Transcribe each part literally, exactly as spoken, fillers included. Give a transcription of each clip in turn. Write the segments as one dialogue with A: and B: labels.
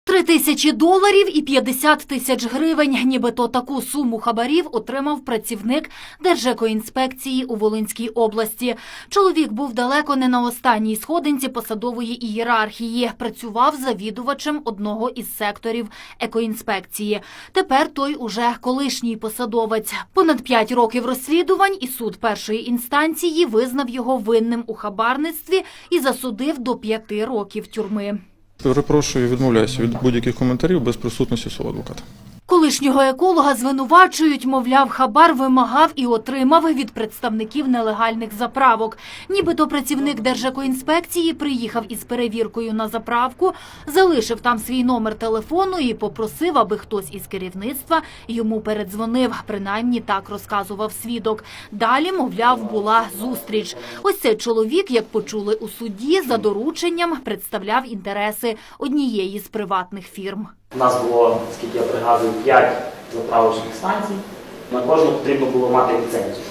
A: Три тисячі доларів і п'ятдесят тисяч гривень. Нібито таку суму хабарів отримав працівник Держекоінспекції у Волинській області. Чоловік був далеко не на останній сходинці посадової ієрархії. Працював завідувачем одного із секторів екоінспекції. Тепер той уже колишній посадовець. Понад п'ять років розслідувань і суд першої інстанції визнав його винним у хабарництві і засудив до п'яти років тюрми.
B: Перепрошую, відмовляюся від будь-яких коментарів без присутності свого адвоката.
A: Колишнього еколога звинувачують, мовляв, хабар вимагав і отримав від представників нелегальних заправок. Нібито працівник Держекоінспекції приїхав із перевіркою на заправку, залишив там свій номер телефону і попросив, аби хтось із керівництва йому передзвонив. Принаймні так розказував свідок. Далі, мовляв, була зустріч. Ось цей чоловік, як почули у суді, за дорученням представляв інтереси однієї з приватних фірм.
C: У нас було, скільки я пригадую, п'ять заправочних станцій. На кожну потрібно було мати ліцензію.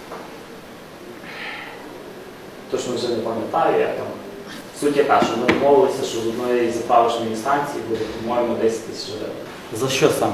C: Точно вже не пам'ятаю, як там. Суть яка, що ми домовилися, що з одної заправочної станції буде, по-моєму, десять тисяч гривень.
D: За що саме?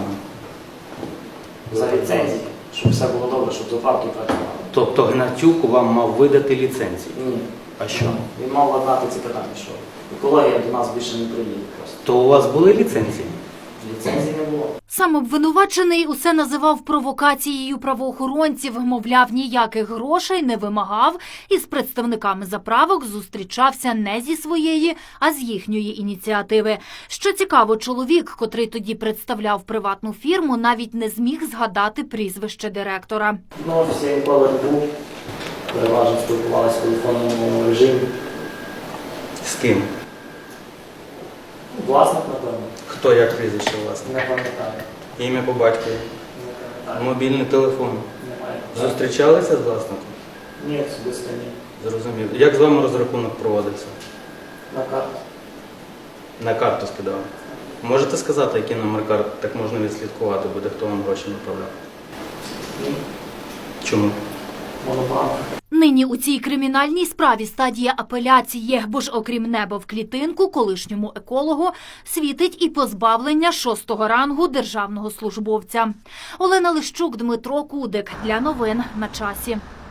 C: За ліцензію, щоб все було добре, щоб заправки працювали.
D: Тобто Гнатюк вам мав видати ліцензію?
C: Ні.
D: А що?
C: Він мав ладнати ці питання, що екологія до нас більше не приїде просто.
D: То у вас були ліцензії?
C: Ліцензії не було.
A: Сам обвинувачений усе називав провокацією правоохоронців, мовляв, ніяких грошей не вимагав і з представниками заправок зустрічався не зі своєї, а з їхньої ініціативи. Що цікаво, чоловік, котрий тоді представляв приватну фірму, навіть не зміг згадати прізвище директора.
C: Ну, всі ніколи не був. Переважно спілкувалися в телефонному режимі.
D: З ким?
C: Власник, напевно.
D: Хто, як прізвище власне?
C: Не пам'ятаю.
D: Ім'я по батькові?
C: Не пам'ятаю.
D: Мобільний телефон?
C: Немає.
D: Зустрічалися з власником?
C: Ні, особисто ні.
D: Зрозумів. Як з вами розрахунок проводився?
C: На карту.
D: На карту скидали? Можете сказати, який номер карт, так можна відслідкувати буде, хто вам гроші направляв?
C: Ні.
D: Чому?
C: Монобанк.
A: Нині у цій кримінальній справі стадія апеляції, бо ж окрім неба в клітинку, колишньому екологу світить і позбавлення шостого рангу державного службовця. Олена Лищук, Дмитро Кудик. Для новин на часі.